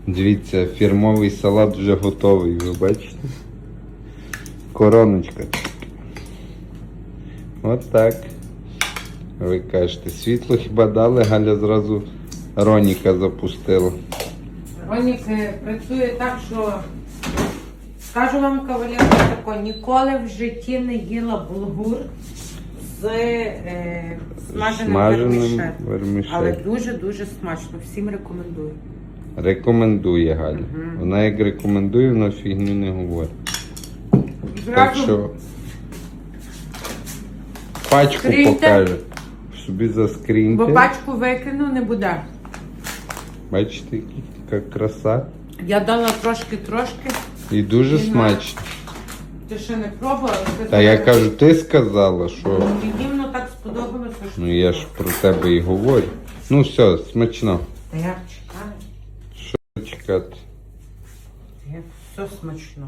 Дивіться, фірмовий салат вже готовий, ви бачите? Короночка. От так. Ви кажете, світло хіба дали, Галя зразу Роніка запустила. Ронік працює так, що скажу вам, кавалерка, тако, ніколи в житті не їла булгур з смаженим вермішелем. Але дуже-дуже смачно. Всім рекомендую. Рекомендує Галя. Вона як рекомендує, вона фігню не говорить. Так що пачку скріньте. покаже. Собі заскріньте. Бо пачку викину не буде. Бачите, яка краса. Я дала трошки. І дуже смачно. Ти ще не пробувала? Та я кажу, ти сказала, що... Мені воно так сподобалося, що... Ну я ж про тебе і говорю. Ну все, смачно. Та як чекаю? Що чекати? Як все смачно.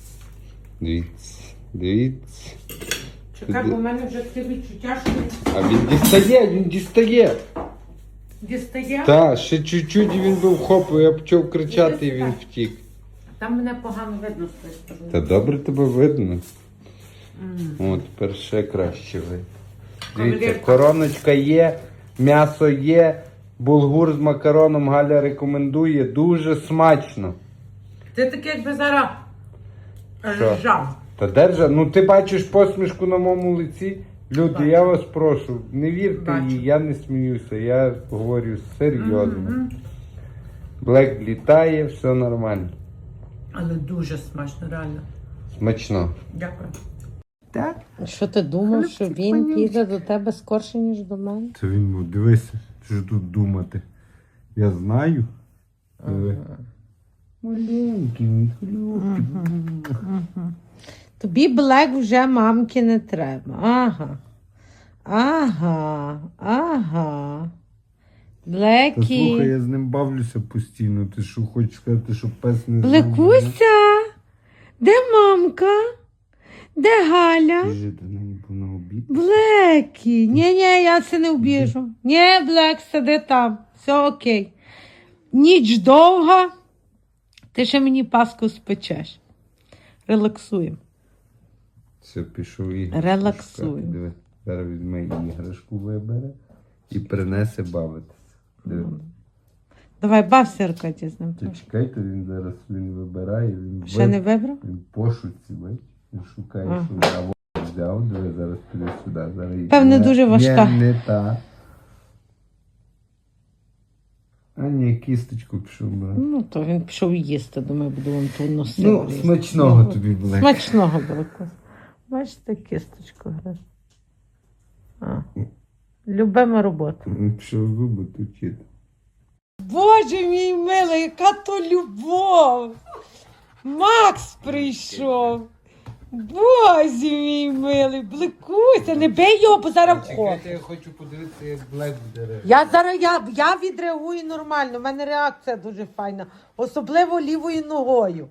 Дивіться. Чекай, бо в мене вже таке відчуття, що... А він дістає. Дістає? Так, ще чуть-чуть і він був хоп, я почав кричати і він втік. Там мене погано видно з тої сторони. Та добре тебе видно. О, тепер ще краще видно. Дивіться, короночка є, м'ясо є, булгур з макароном Галя рекомендує. Дуже смачно. Ти таке, якби зараз Що? ржав. Та держа, ну ти бачиш посмішку на моєму лиці? Люди, Бачу. я вас прошу, не вірте Бачу. їй, я не сміюся, я говорю серйозно. Блек літає, все нормально. Але дуже смачно, реально. Смачно. Дякую. Так? Що ти думав, що він піде до тебе скорше, ніж до мене? Це він, дивися, що тут думати. Я знаю. Маленький, мій хлюпчик. Тобі Блек вже мамки не треба. Ага. Та Блекі. слухай, я з ним бавлюся постійно. Ти що, хочеш сказати, що пес не знає? Блекуся, де мамка? Де Галя? Ти до неї на обід? Блекі. Ні, я це не обіжу. Ні, Блек, сиди там. Все окей. Ніч довга. Ти ще мені паску спечеш. Релаксуємо. Все, пішов іграшку. Релаксуй. шукати. Диви, зараз візьме іграшку, вибере і принесе бавитися. Диви. Давай, бався, Аркадій, з ним. Ти чекайте, він зараз вибирає, він Ще не вибрав? Він пошуці, бачиш, він шукає, Ага. що а вот взяв, диви, зараз піде сюди. Зараз їй- Певне, дуже важка. Не та. А ні, кісточку пішов брати. Ну, то він пішов їсти, думаю, буду вам ту носити. Ну, смачного тобі, Блек. Смачного, Блеку. Бачите, кісточку грає. Любима робота. Він пішов зуби точити. Боже мій милий, яка то любов! Макс прийшов. Боже мій милий, Блекуся, не бий його, бо зараз вход. Я хочу подивитися, як Блек дере. Я відреагую нормально, в мене реакція дуже файна. Особливо лівою ногою.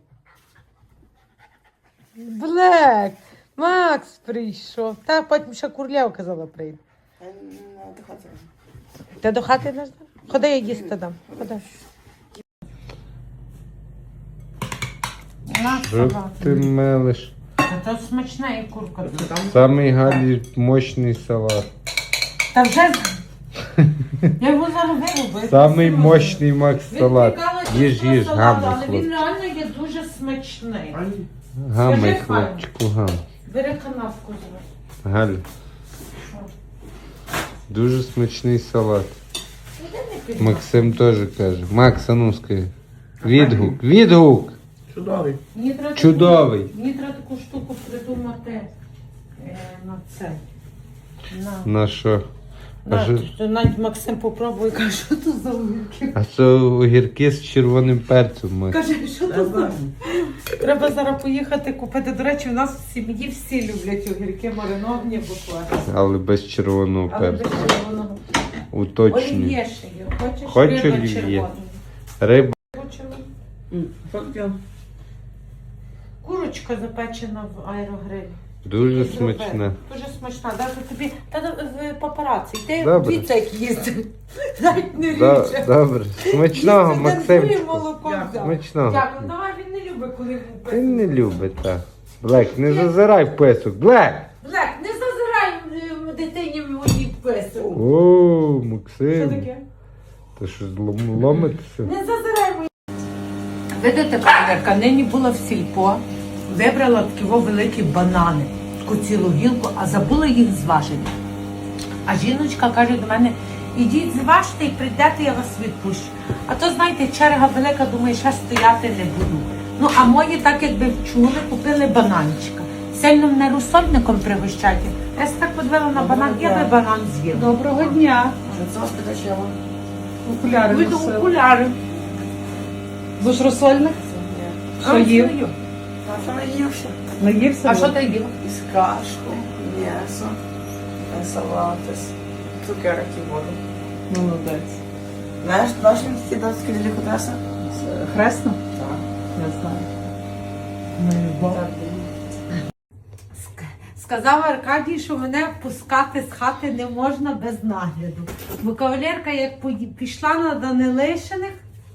Блек, Макс прийшов. Та потім ще Курлєва казала прийде. Ти до хати не ждав? Ходи, я їсти дам. Ходи. Що ти мелиш? Та смачна і курка тут. Самий Галі мощний салат. Та вже... Я його зараз вирубаю. Самий мощний Макс Він салат. прикалується Їж, з того салату, гамай, але він хлопчику. реально є дуже смачний. Гамай, Скажи, хлопчику, гамай. Бери канапку зараз. Галь. Дуже смачний салат. Максим теж каже. Макс, а ну скажи. Відгук. Чудовий. Чудовий. Мені треба таку штуку придумати на це. На що? А що? Навіть Максим попробує, каже, що то за огірки? А це огірки з червоним перцем, Макс. Каже, що то за... Треба зараз поїхати купити. До речі, у нас в сім'ї всі люблять огірки мариновані буквально. Але без червоного Але без перцю. червоного. Уточнюю. Олів'є ще є. Хочеш? Хочу Риба олів'є. червона. Риба. Хочемо? Що таке? Курочка запечена в аерогрилі. Дуже Зробили. смачна. Дуже смачна. Навіть тобі та в папараці. Ти Добре. дивіться, як їсти. Навіть не Да, ріже. добре. Смачного, Їсти дендує Максимчику. молоко. взяв. Смачного. Дякую, давай він не любить, коли йому писок. Він не любить, так. Блек, не зазирай в писок. Блек! Блек, не зазирай дитині моїй писок. О, Що Максим. таке? Ти що ломитися? Не зазирай мої. Видите, кавалерка, нині була в сільпо, вибрала такі великі банани, таку цілу гілку, а забула їх зважити. А жіночка каже до мене, ідіть зважте і прийдете, я вас відпущу. А то, знаєте, черга велика, думаю, ще стояти не буду. Ну, а мої, так якби вчули, купили бананчика. Сильно мене розсольником пригощати. Я так подивила на банан, я би банан з'їла. Доброго дня. Що це спитачила? Окуляри Вийду носила. окуляри. Будеш розсольник? Що А, їв? свою. А що наївся? Наївся? А що ти їла? Із кашку, м'ясо, салати, цукерки, воду. Молодець. Знаєш, наші ті датські делікатеси? Хресно? Так. Я знаю. Ми любов. Сказав Аркадій, що мене пускати з хати не можна без нагляду. Бо кавалерка, як пішла на Данилишиних,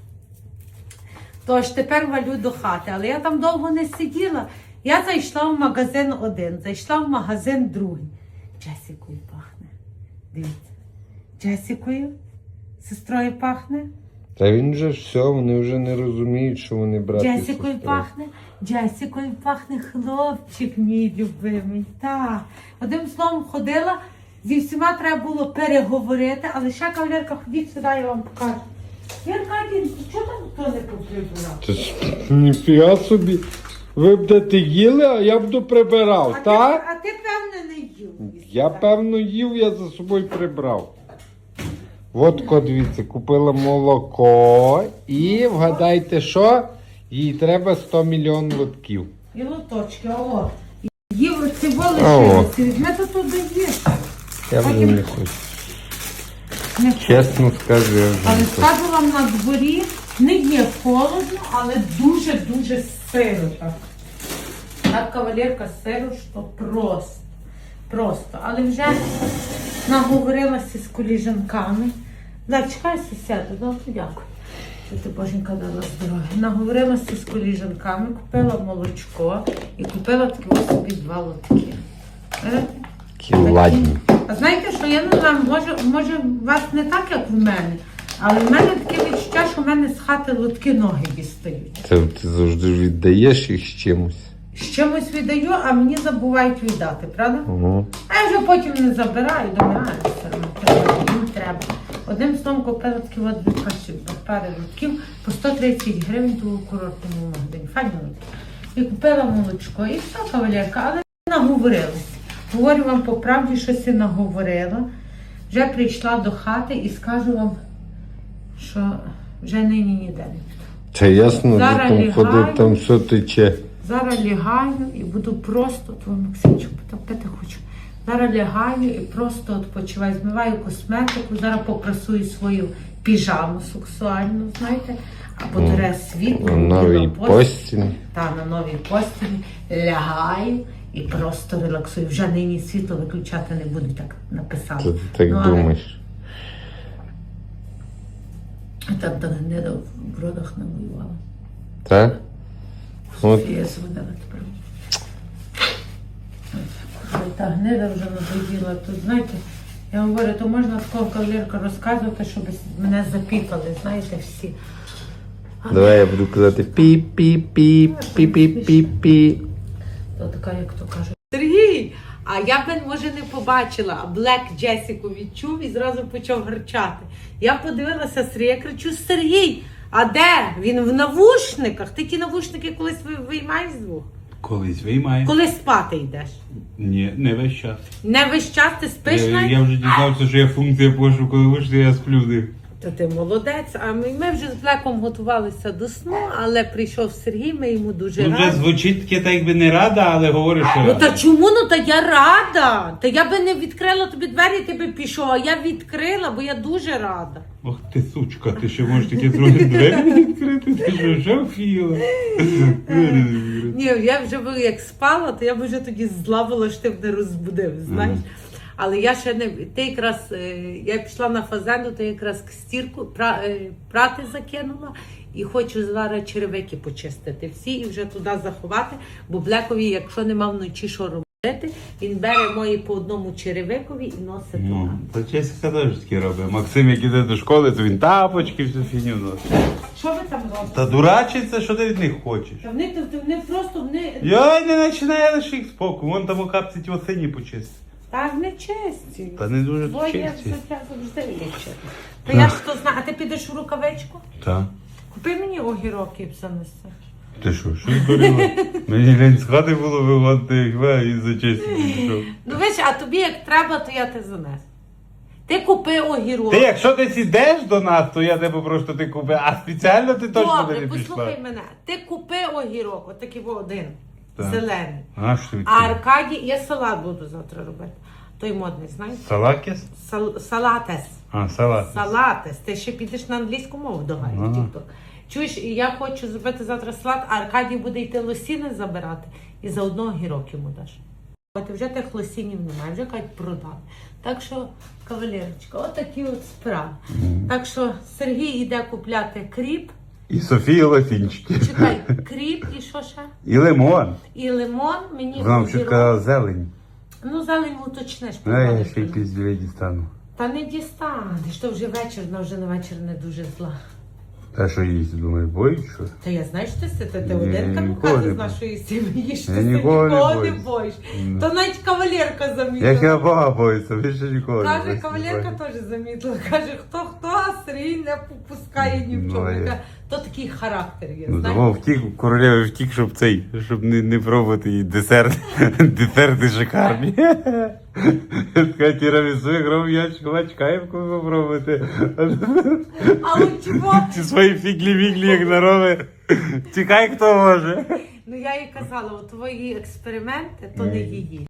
то ж тепер валю до хати. Але я там довго не сиділа. Я зайшла в магазин один, зайшла в магазин другий. Джесікою пахне. Дивіться. Джесікою? Сестрою пахне? Та він же все, вони вже не розуміють, що вони брати. Джесікою пахне, Джесікою пахне хлопчик мій любимий. Так. Одним словом ходила, зі всіма треба було переговорити, але ще кавалерка, ходіть сюди, я вам покажу. Я Аркадій, чого там хто не поприбирав? Це ж ніфіга собі. Ви будете їли, а я буду прибирав, так? А ти, певне, не їв. Я певно їв, я за собою прибрав. Водко, дивіться, купила молоко і вгадайте, що? Їй треба 100 мільйон лотків. І лоточки, о. Їв оці О. волосі, візьми то туди їж. Я вже не хочу. Чесно скажу, я вже Але не хочу. скажу вам, на дворі не є холодно, але дуже-дуже сиро так. Так, кавалерка, сиро, що просто. Просто. Але вже наговорилася з коліжанками. Так, чекай, сусіду, добре, дякую. Що ти, боженька, дала здоров'я. Наговорилася з коліжанками, купила молочко і купила такі ось собі 2 лотки. Такі ладні. А знаєте, що я не знаю, може у вас не так, як в мене, але в мене таке відчуття, що в мене з хати лотки ноги дістають. Це ти завжди віддаєш їх з чимось. З чимось віддаю, а мені забувають віддати, правда? Угу. А я вже потім не забираю, думаю, все одно їм треба. Одним словом купила такі от 2 пари лотків по 130 гривень у курортному магазині. Файні лотки. І купила молочко, і все, кавалерка, але наговорилась. Говорю вам по правді, щось і наговорила. Вже прийшла до хати і скажу вам, що вже нині ніде не піду. Це ясно, Зараз де там лягаю. ходив, там все тече. Зараз лягаю і буду просто, твій Максимчик, потопити хочу. Зараз лягаю і просто відпочиваю, змиваю косметику, зараз попрасую свою піжаму сексуальну, знаєте, або дере світло. На новій постілі. Та, на новій постілі лягаю і просто релаксую. Вже нині світло виключати не буду, так написала. Це ти так Ну, але думаєш. так до гнида в бродах не воювала. Так? От. Софія зводила тепер. Та гнида вже надоїла. Тут, знаєте, я говорю, то можна такого кавалерка розказувати, щоб мене запікали, знаєте, всі. Давай я буду казати пі-пі-пі, пі-пі-пі-пі. То така, як то кажуть. Сергій! А я б, може, не побачила, а Блек Джесіку відчув і зразу почав гарчати. Я подивилася Сергія, кричу: Сергій, а де? Він в навушниках. Ти ті навушники колись виймаєш звук? Колись виймає. Коли спати йдеш? Ні, не весь час. Не весь час ти спиш навіть? Я вже дізнався, що є функція пошуку навушників, я сплю в них. Та ти молодець. А ми вже з Блеком готувалися до сну, але прийшов Сергій, ми йому дуже Ну, вже раді. звучить таке, так якби не рада, але говориш, що Ну рада. та чому? Ну та я рада. Та я би не відкрила тобі двері, ти би пішов, а я відкрила, бо я дуже рада. Ох ти сучка, ти ще можеш таке трохи двері відкрити, ти що, вже вфіла? Ні, я вже би як спала, то я б вже тоді зла була, що ти мене розбудив, знаєш. Але я ще не. Ти якраз я пішла на фазенду, то якраз стірку прати закинула і хочу зараз черевики почистити всі і вже туди заховати, бо Блекові, якщо нема вночі що робити, він бере мої по одному черевикові і носить туди. Ну, то Чеська теж таке робить. Максим, як іде до школи, то він тапочки, всю фігню носить. Що ви там робите? Та дурачиться, що ти від них хочеш? Та вони просто Йой, не починає лише їх споку. Вон там у капці ті осині почисти. так не честі. Та не дуже Твоє чисті. взуття завжди лічить. То я ж то знаю, а ти підеш у рукавичку? Так. Купи мені огірок і занеси. Ти що ти корила? Мені лень з хати було виводити, як і за честь пішов. Ну виш, а тобі як треба, то я те занесу. Ти купи огірок. Ти якщо десь ідеш до нас, то я тебе просто ти купи, а спеціально ти точно Добре, не пішла. послухай мене. Ти купи огірок, отакий один, Так. зелений. А що ти? А Аркадій, я салат буду завтра робити. Той модний, знаєш? Салакіс? Салатес. А, салат. Салатес. Ти ще підеш на англійську мову до Гаї, Ага. TikTok. Чуєш, і я хочу зробити завтра салат, а Аркадій буде йти лосіни забирати і заодно огірок йому даш. От вже тих лосінів немає, вже кажуть продали. Так що, кавалерочка, отакі от справи. Так що Сергій йде купляти кріп. І Софія лосінчики. Чекай, кріп і що ще? І лимон. І лимон, мені Вона огірок. ще казала зелень. Ну, зелень уточниш. А я погодиш. ще й пізділі дістану. Та не дістанеш, то вже вечір, вона вже на вечір не дуже зла. Та що їсть, думаєш, боїш, що? Та я знаю, що ти Ні, один ніколи камука не з нашої сім'ї, що Я ти ніколи не нікого не боюсь. боїш. Ну. То навіть кавалерка Як я замітила. Бога боюся, більше ніколи. Каже, не кавалерка боюсь. теж замітила. Каже, хто, а Сергій не попускає ні в Ну, чому. а я- Каже, то такий характер є, Ну, знаєш. того втік, королева втік, щоб не пробувати її десерт. Десерти шикарні. Така тірамісу, як робив я чекаємо, коли попробувати. А от чого? Ці свої фіглі-віглі, як нароби. Чекай, хто може. Ну я їй казала, от твої експерименти, то не її.